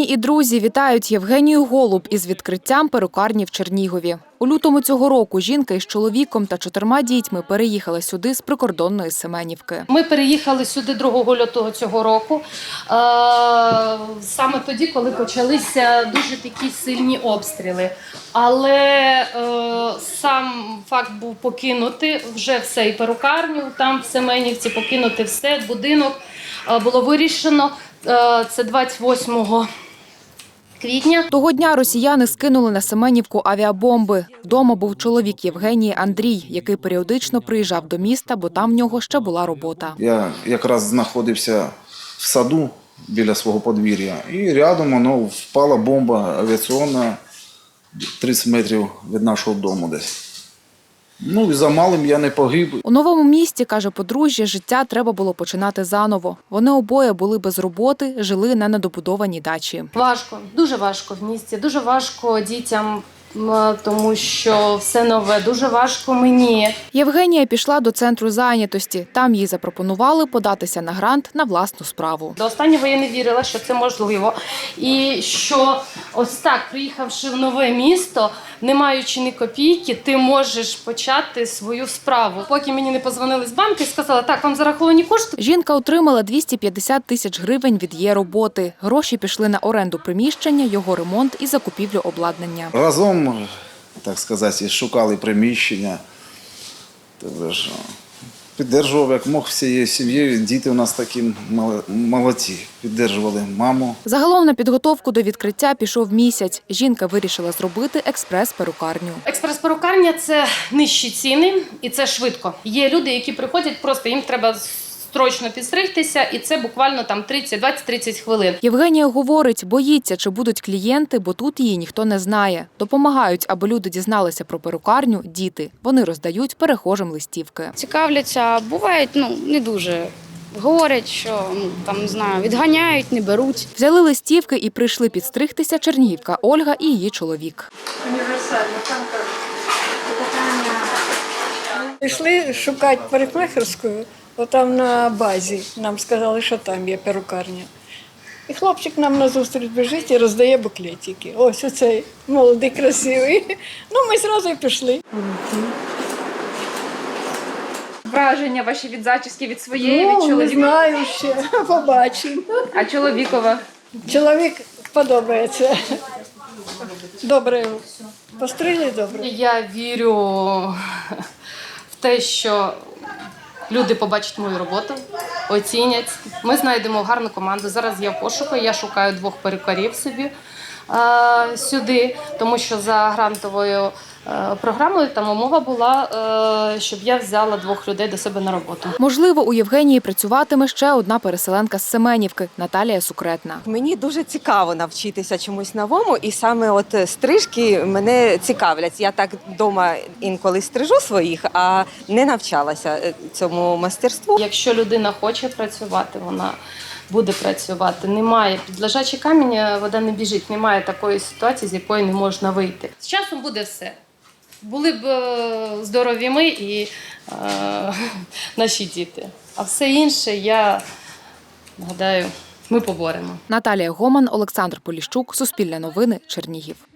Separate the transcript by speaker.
Speaker 1: Рідні і друзі вітають Євгенію Голуб із відкриттям перукарні в Чернігові. У лютому цього року жінка із чоловіком та 4 дітьми переїхала сюди з прикордонної Семенівки.
Speaker 2: Ми переїхали сюди 2 лютого цього року, саме тоді, коли почалися дуже такі сильні обстріли. Але сам факт був покинути вже все, і перукарню там в Семенівці, покинути все, будинок було вирішено. Це 28 квітня.
Speaker 1: Того дня росіяни скинули на Семенівку авіабомби. Вдома був чоловік Євгенії Андрій, який періодично приїжджав до міста, бо там в нього ще була робота.
Speaker 3: Я якраз знаходився в саду біля свого подвір'я, і рядом впала бомба авіаційна 30 метрів від нашого дому десь. І за малим я не погиб.
Speaker 1: У новому місті, каже подружжя, життя треба було починати заново. Вони обоє були без роботи, жили на недобудованій дачі.
Speaker 2: Важко, дуже важко в місті, дуже важко дітям, тому що все нове, дуже важко мені.
Speaker 1: Євгенія пішла до центру зайнятості. Там їй запропонували податися на грант на власну справу.
Speaker 2: До останнього я не вірила, що це можливо. І що ось так, приїхавши в нове місто, не маючи ні копійки, ти можеш почати свою справу. Поки мені не подзвонили з банку і сказали, так, вам зараховані кошти.
Speaker 1: Жінка отримала 250 тисяч гривень від її роботи. Гроші пішли на оренду приміщення, його ремонт і закупівлю обладнання.
Speaker 3: Разом, так сказати, шукали приміщення. Підтримував, як мог, всією сім'єю. Діти у нас такі молодці. Підтримували маму.
Speaker 1: Загалом на підготовку до відкриття пішов місяць. Жінка вирішила зробити експрес-перукарню.
Speaker 2: Експрес-перукарня – це нижчі ціни і це швидко. Є люди, які приходять, просто їм треба строчно підстригтися, і це буквально там 20-30 хвилин.
Speaker 1: Євгенія говорить, боїться, чи будуть клієнти, бо тут її ніхто не знає. Допомагають, аби люди дізналися про перукарню, діти. Вони роздають перехожим листівки.
Speaker 4: Цікавляться, бувають, не дуже. Говорять, що не знаю, відганяють, не беруть.
Speaker 1: Взяли листівки і прийшли підстригтися чернігівка Ольга і її чоловік.
Speaker 5: Пішли шукати парикмахерську, отам на базі. Нам сказали, що там є перукарня. І хлопчик нам назустріч біжить і роздає буклетики. Ось оцей молодий, красивий. Ми одразу і пішли.
Speaker 6: Враження ваші від зачіски, від своєї, від чоловіка?
Speaker 5: Не знаю ще, побачимо.
Speaker 6: А чоловікова?
Speaker 5: Чоловік подобається. Добре, постригли добре.
Speaker 2: Я вірю в те, що люди побачать мою роботу, оцінять. Ми знайдемо гарну команду. Зараз я в пошуку, я шукаю 2 перукарів собі сюди, тому що за грантовою програмою там умова була, щоб я взяла 2 людей до себе на роботу.
Speaker 1: Можливо, у Євгенії працюватиме ще одна переселенка з Семенівки – Наталія Сукретна.
Speaker 7: Мені дуже цікаво навчитися чомусь новому, і саме стрижки мене цікавлять. Я так вдома інколи стрижу своїх, а не навчалася цьому майстерству.
Speaker 2: Якщо людина хоче працювати, вона буде працювати. Немає під лежачий камінь, вода не біжить. Немає такої ситуації, з якої не можна вийти. З часом буде все. Були б здорові ми і наші діти. А все інше, я гадаю, ми поборемо.
Speaker 1: Наталія Гоман, Олександр Поліщук, Суспільне новини, Чернігів.